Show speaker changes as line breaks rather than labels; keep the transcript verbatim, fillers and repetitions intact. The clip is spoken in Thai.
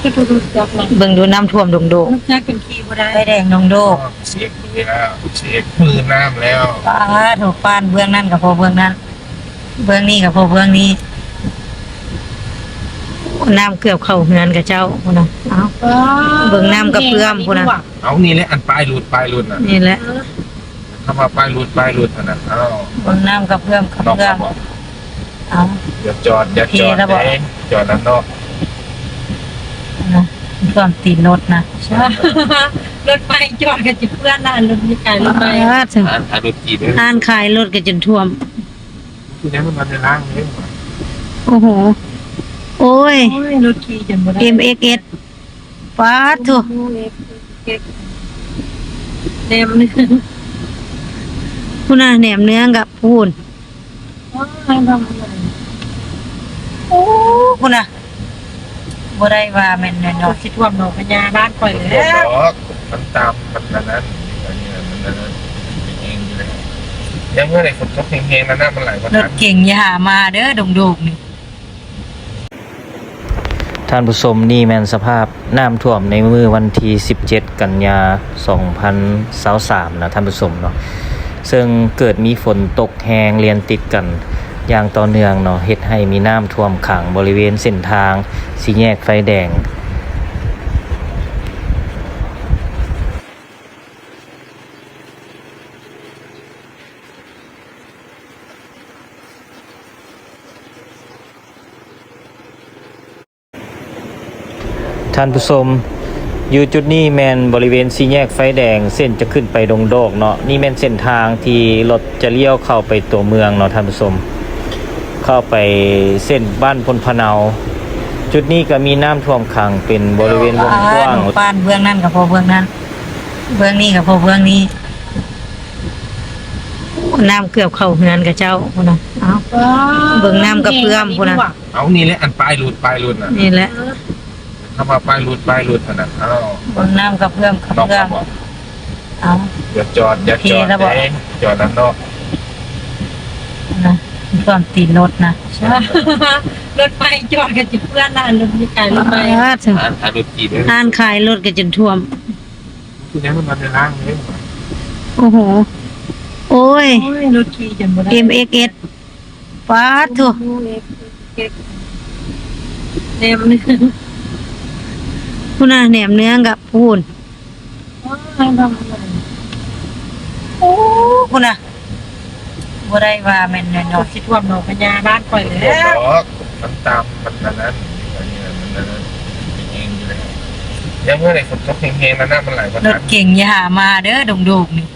เบิ่งดูน้ำท่วมดงโดก
แจ็คเป็นขี้บ่ได้
ไฟแดงดงโดก
เสียกมือแล้วเสียกมือน้ำแล้ว
ป้าถูกปานเบื้องนั่นกับพอเบื้องนั้นเบื้องนี้กับพอเบื้องนี้น้ำเกือบเข้าเฮือนกับเจ้าพุ่นน่ะเอ้าเบิ่งน้ำกับเพื่อมพุ่นน่ะ
เอานี่แหละอันปลายหลุดปลายหลุดน่ะ
นี่แหละ
ถ้ามาปลายหลุดปลายหลุดน่ะเอา
เบิ่งน้ำกับเพื่อมกับ
นอก
เพื่อม
บอก
เอ้า
อย่าจอดอย่าจอด
โอเคแล้วบอก
เองจอดนั้นนอก
นะท่วมตีนรถนะ
รถไฟจอดกันจิเพื่อนน่ะรถมีขายรถไฟ
ป้าถึง
อ่านอ่านรถจีบเลย
อ่านขายรถกันจนท่วม
ทีนี้มันมาในร่างเลย
โอ้โหโอ้ย
โอ้ยรถขี่จนบ่ได้
เอ็ม เอ็กซ์ เอส ป้าถูก
เต็มนึง
พุ่นน่ะแหนมเนื้อกับพูน
ว้ายทำอะไร
โอ้พุ่นน่ะบ่ได้ว่าแม่นแน่น
เรา
อน
คิดว่าหนองพญาบ้านปล่อย
มัน
แล้ว
บอกมันตามมันนั้นนั้นอันนี้มันนั้นเองอยู่เลยยังเมื่อไหร่ฝนตกเฮงๆนั่นน่ะมันไหลมาร
ถเก่งอย่าหามาเด้อดงโดกนี่
ท่านผู้ชมนี่แม่นสภาพน้ำท่วมในมือวันที่สิบเจ็ดกันยาสองพันยี่สิบสามนะท่านผู้ชมเนาะซึ่งเกิดมีฝนตกแหงเรียนติดกันอย่างต่อเนื่องเนาะเฮ็ดให้มีน้ำท่วมขังบริเวณเส้นทางสี่แยกไฟแดงท่านผู้ชมอยู่จุดนี้แมนบริเวณสี่แยกไฟแดงเส้นจะขึ้นไปดงโดกเนาะนี่แมนเส้นทางที่รถจะเลี้ยวเข้าไปตัวเมืองเนาะท่านผู้ชมเข้าไปเส้นบ้านพลพะเนาจุดนี้ก็มีน้ำท่วมขังเป็นบริเวณวงกว้าง
ถูกปานเบื้องนั่นกับพอเบื้องนั้นเบื้องนี้กับพอเบื้องนี้น้ำเกือบเข้าเฮือนกับเจ้าพุ่นน่ะเอ้า เบิ่งน้ำกับเพื่อมพุ่นน่ะ
เอานี่แหละอันปลายหลุดปลายหลุดน่ะ
นี่แหละ
ถ้ามาปลายหลุดปลายหลุดน่ะเอา
เบิ่งน้ำกับเพื่อมกับ
นอก
เพื่อม
บอก
เอ้า
อย่าจอดอย่าจอด
โอเคแล้วบอก
เองจอดนั้นนอก
นะท่วมตีนรถนะ
รถไฟจอดกันจิเพื่อนน่ะรถมีขายรถไฟ
ป้าถึง
อ่านอ่านรถจีบเลย
อ่านขายรถกันจนท่วม
ทีนี้มันมาในร่างเลย
โอ้โหโอ้ย
โอ้ยรถขี่จนบ่ได้
เอ็ม เอ็กซ์ เอส ป้าถูก
เต็มนึง
พุ่นน่ะแหนมเนื้อกับพูน
ว้ายทำอะไร
โอ้พุ่นน่ะบ่ได้ว่าแม่นแน่นอ
เรา
น
คิดว่าหนองพญาบ้านปล่อย
มัน
แล้ว
บอกมันตามมันนั้นนั้นอันนี้มันนั้นเองอยู่เลยยังเมื่อไหร่ฝนตกเฮงๆนั่นน่ะมันไหลมาร
ถเก่งอย่าหามาเด้อดงโดกนี่